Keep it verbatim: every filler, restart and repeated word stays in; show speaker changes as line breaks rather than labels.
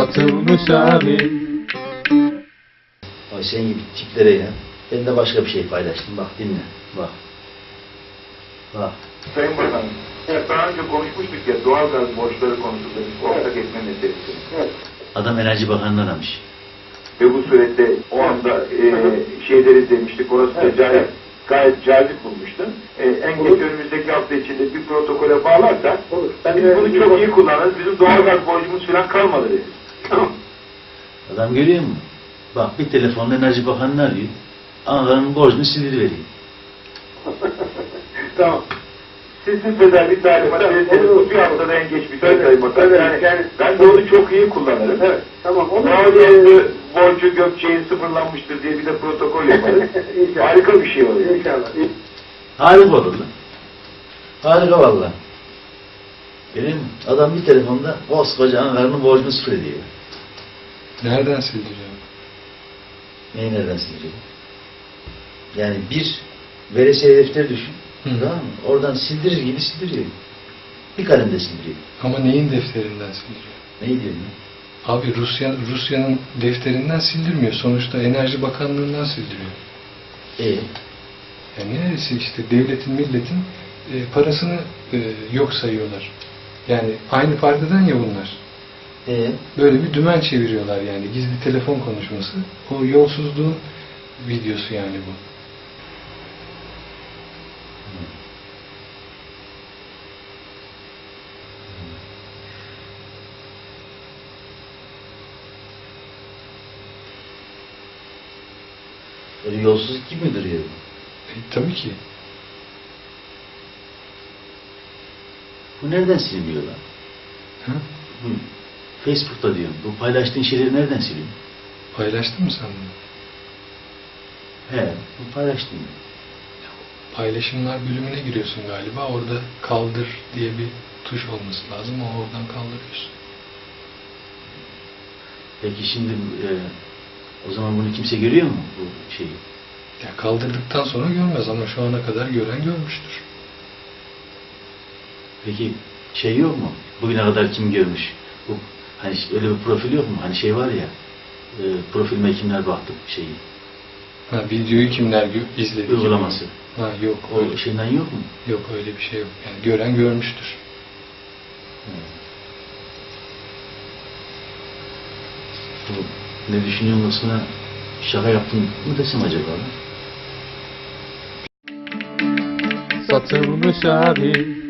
satılmış abi.
Ay sen gibi tiplere ya. Ben de başka bir şey paylaştım. Bak dinle. Bak. Bak.
Sayın Bakanım, evet, daha önce konuşmuştuk ya doğalgaz borçları konusunda bir ortak etme meselesi. Evet.
Adam Enerji Bakanı'nı aramış.
Ve bu surette o anda e, şeyleri izlemiştik, orası da evet, cahil, gayet cazip bulmuştum. E, en geç önümüzdeki hafta içinde bir protokole bağlarsak, olur. Biz bunu çok iyi kullanırız, bizim doğalgaz borcumuz falan kalmadı dedi. Tamam.
Adam görüyor musun? Bak bir telefonla Enerji Bakanı'nı arıyor. Ankara'nın borcunu sildiriveriyor.
Tamam. Sizin sefer bir talimat verirseniz bu bir haftada en geç bir talimat. Evet, yani, yani ben de onu çok iyi kullanırım. Evet. Tamam. Mağduriyetli borcu Gökçe'ye sıfırlanmıştır diye bir de protokol yaparız. Harika bir şey oluyor. İnşallah.
Harika olur lan. Harika valla. Görüyor musun? Adam bir telefonda koskoca Ankara'nın borcunu sıfır ediyor.
Nereden sildireceğim?
Neyi nereden siliyor? Yani bir veresiye defteri düşün.
Hı.
Tamam mı? Oradan sildirir gibi sildiriyor. Bir kalemde sildiriyor.
Ama neyin defterinden sildiriyor?
Ne diyorsun ya?
Abi Rusya Rusya'nın defterinden sildirmiyor. Sonuçta Enerji Bakanlığı'ndan sildiriyor.
E
Yani neresi işte devletin, milletin e, parasını e, yok sayıyorlar. Yani aynı partiden ya bunlar.
E
Böyle bir dümen çeviriyorlar yani. Gizli telefon konuşması. O yolsuzluğun videosu yani bu.
Böyle yolsuzluk gibi mi duruyor?
E, tabii ki.
Bu nereden siliniyor lan?
Ha?
Bu Facebook'ta diyorum. Bu paylaştığın şeyleri nereden siliyorsun?
Paylaştın mı sen bunu?
He, bu paylaştın.
Paylaşımlar bölümüne giriyorsun galiba. Orada kaldır diye bir tuş olması lazım. O oradan kaldırıyorsun.
Peki şimdi e, o zaman bunu kimse görüyor mu bu şeyi?
Ya kaldırdıktan sonra görmez ama şu ana kadar gören görmüştür.
Peki şey yok mu? Bugüne kadar kim görmüş? Bu hani öyle bir profil yok mu? Hani şey var ya, e, profilime kimler baktı şeyi?
Ha, videoyu kimler gö- izledi?
Uygulaması.
Ha, yok
O
öyle.
şeyden yok mu?
Yok öyle bir şey yok. Yani gören görmüştür.
Bu ne düşünüyorsun kısmına şaka yaptın mı desem acaba?
Satılmış abi.